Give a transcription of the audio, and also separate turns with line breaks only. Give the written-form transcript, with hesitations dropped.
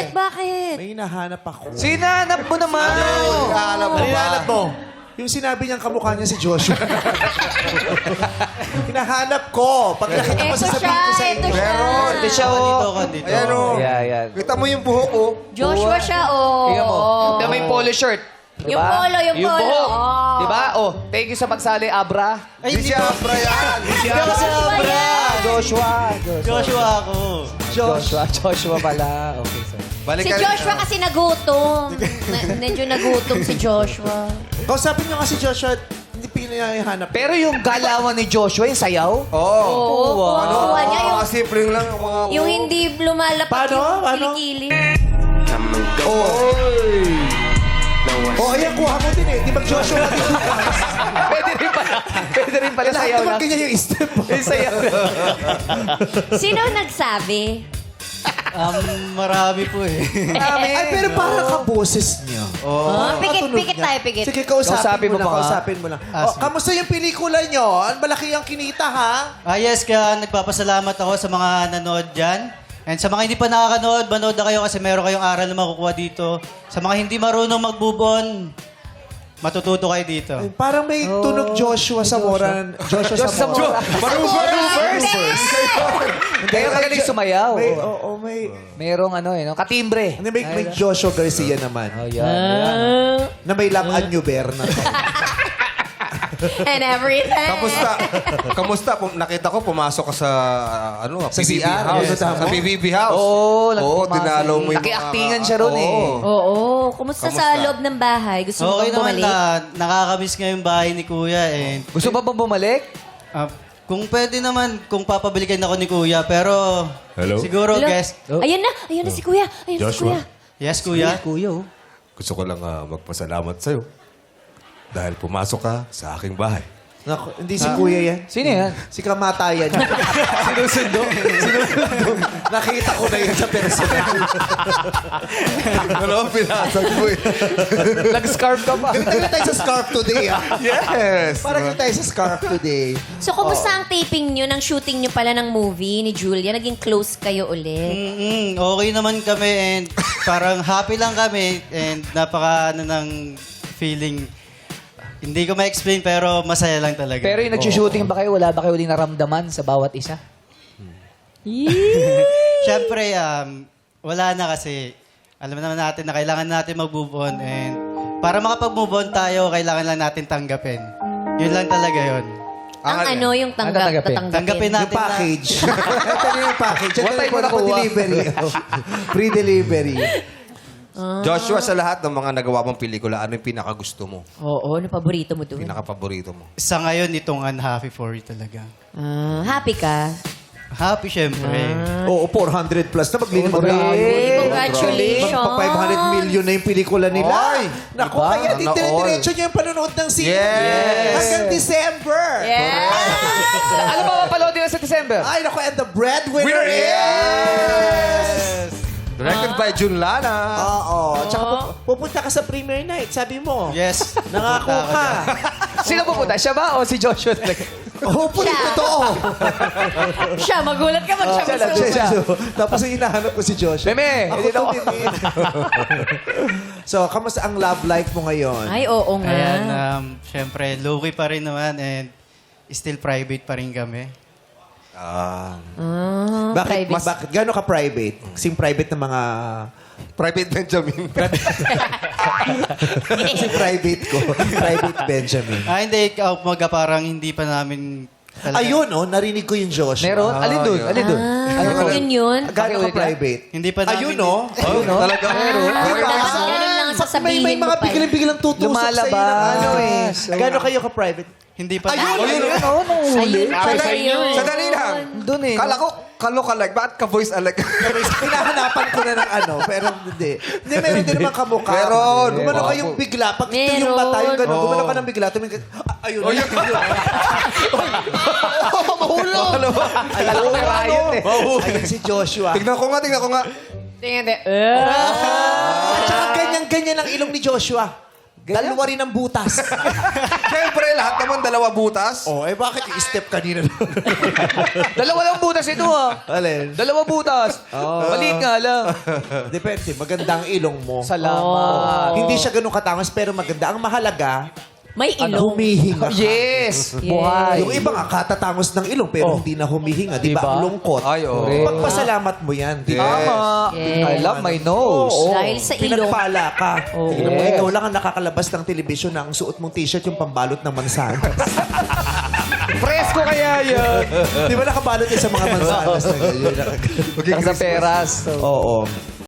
Bakit?
May hinahanap ako.
Sinanap mo naman.
Alam mo ba?
Hinahanap mo. Yung sinabi niyang kamukha niya si Joshua. Hinahanap ko. Pag nakita ko,
Ito
sasabihin ko sa
siya,
inyo.
ito siya.
Hindi siya, oh.
Ayan o.
Yeah, yeah.
Kita mo yung buhok ko.
Joshua siya, oh.
Tingnan mo. Na may polo shirt.
Yung polo, yung polo.
buhok.
Oh.
Diba? Oh, thank you sa pagsali, Abra.
Di siya Abra yan.
Joshua yan.
Joshua.
Joshua ako.
Joshua pala. Okay, sir.
Si Joshua kasi nagutom. Medyo nagutom si Joshua.
Kausapin niyo kasi Joshua, hindi pinahanap.
Pero yung galawan ni Joshua, yung sayaw?
Oo.
Oo. Kuha niya yung,
Mga simpleng lang.
yung hindi lumalapat
Paano?
yung
Paano?
kilikili.
Oh, ayan, kuha mo din eh. Di ba Joshua?
Pwede rin pala. Pwede rin pala sayaw
Lahat naman
lang.
ganyan yung step.
Yung sayaw lang.
Sino nagsabi?
Marami po eh.
Ay, pero parang kaboses niya.
Pikit tayo, pikit.
Sige, kausapin mo
pa
lang.
nga.
Kausapin mo lang. Oh, kamusta yung pelikula niyo? Ang malaki ang kinita, ha?
Yes, kaya nagpapasalamat ako sa mga nanood dyan. And sa mga hindi pa nakakanood, manood na kayo kasi meron kayong aral na makukuha dito. Sa mga hindi marunong magbubon, matututo kayo dito.
Ay, parang may tunog Joshua sa Moran. Joshua sa Moran.
Kaya magaling sumayaw.
May...
Merong ano eh, no? Katimbre.
Ano, may Joshua Garcia naman.
Oh, yan.
Na may laman New Berna.
And everything.
Kamusta? Nakita ko pumasok ka sa
Sa
PBB
CR?
House.
Yes.
Sa PBB House.
Oo,
Oo, dinalo mo yung
Naki-actingan siya ron eh.
Oo. Kumusta sa loob ng bahay? Gusto mo
Okay
bang
naman
bumalik?
na nakakamiss nga yung bahay ni Kuya. And,
Gusto ba bang bumalik?
kung pwede naman, kung papabalikan ako ni Kuya. Pero siguro,
Hello?
guest.
Ayun na si Kuya. Ayun na si Kuya.
Yes, Kuya.
Kuya, oh.
Gusto ko lang magpasalamat sa'yo. Dahil pumasok ka sa aking bahay.
Naku, hindi si Kuya yan.
Sino yan?
Si Kamatayan. Sinusundo. Nakita ko na yun sa personal.
Ano, pinasag mo eh.
Nag-scarf ka pa.
Galit tayo sa scarf today, ah.
Yes.
Parang galit tayo sa scarf today.
So, kumusta ang taping nyo, ng shooting nyo pala ng movie ni Julia? Naging close kayo ulit.
Okay naman kami and parang happy lang kami and napaka ng feeling. Hindi ko ma-explain pero masaya lang talaga.
Pero yung nag-shooting ba kayo, wala ba kayo uling naramdaman sa bawat isa?
Siyempre, wala na kasi alam naman natin na kailangan natin mag-move on and para makapag-move on tayo, kailangan lang natin tanggapin. Yun lang talaga yun.
Ang ano yung
tanggapin?
Tanggapin
Yung
natin na...
package. Ito na yung package. Ito
What time
yung
mo nakuha?
delivery. Free delivery.
Joshua, sa lahat ng mga nagawa mong pelikula, ano yung pinakagusto mo?
Oo, ano paborito mo doon?
Pinakapaborito mo?
Sa ngayon, itong Unhappy for You talaga.
Happy ka?
Happy, syempre.
Oo, 400 plus na maglilimang
Congratulations!
Pag 500 million na yung pelikula nila.
Ay!
Naku,
Diba?
kaya
Sana all.
dire-diretso niya yung panonood ng sine.
Yes!
Hanggang December.
Ano ba mapalood nila sa December?
Ay, naku, and the breadwinner is...
Directed by Jun Lana.
Oo. Tsaka pupunta ka sa premiere night, sabi mo.
Yes.
Nangako ka.
Sino pupunta? Siya ba o si Joshua talaga?
Hopefully, totoo.
Siya, magulat ka mag siya.
Siya.
Tapos yung hinahanap ko si Joshua.
Meme,
Ako
hindi
to,
na ako.
Meme. So, kamusta ang love life mo ngayon?
Ay, oo nga.
Ayan, syempre, low-key pa rin naman and still private pa rin kami.
Bakit?
private.
Bakit? Gano'n ka private? Sing private ng mga...
Private Benjamin.
Si private ko. Private Benjamin.
Hindi, umaga parang hindi pa namin talaga.
Ayun, oh, narinig ko yung Joshua.
Meron? Alin dun? Alin dun?
Yun.
Gano'n ka private?
Hindi pa namin.
Ayun, oh.
Ayun, no?
Talaga.
Dapat ganun lang sasabihin
May mga
mo pa.
biglang tutusok
Lumalabas.
sa'yo ng ano eh.
So,
Gano'n kayo ka private?
Hindi pa
Ayun,
namin.
ayun,
Oo, nung huli.
Ayun pala yun.
Sandali lang.
Doon eh.
Kala ko, kalo-kalike. Bakit ka-voice alike?
Hinahanapan ko na ng ano, pero hindi. Hindi, meron din naman kamukha.
Meron.
Gumano kayong bigla. Pag ito yung mata, yung gano'n, gumano ka ng bigla. Tumingin ka, ayun. Ayun. Mahulog.
Alam ko may riot eh.
Ayun si Joshua.
Tignan ko nga.
Tingnan.
At saka ganyan-ganyan ang ilong ni Joshua. Dalawa rin ang butas.
Siyempre, lahat naman dalawa butas.
Oh, bakit yung step kanina?
Dalawa lang butas ito, ha?
Alin?
Dalawa butas. Maliit nga lang.
Depende. Maganda ang ilong mo.
Salamat.
Hindi siya ganun katangos, pero maganda. Ang mahalaga,
May ilong.
humihinga ka.
Yes. Buhay.
Yung iba nga, katatangos ng ilong, pero hindi na humihinga. Di ba?
Diba?
Ang lungkot.
Ay, oo.
Pagpasalamat mo yan. Di ba?
Tama.
Yes.
I love my nose.
Dahil sa ilong.
Pinagpala ka.
Oh,
Tingnan mo,
yes.
ikaw lang ang nakakalabas ng telebisyon na ang suot mong t-shirt yung pambalot ng mansanas.
Presko kaya yun.
Di ba nakabalot yan sa mga mansanas na ganyan?
Sa peras.
Oo.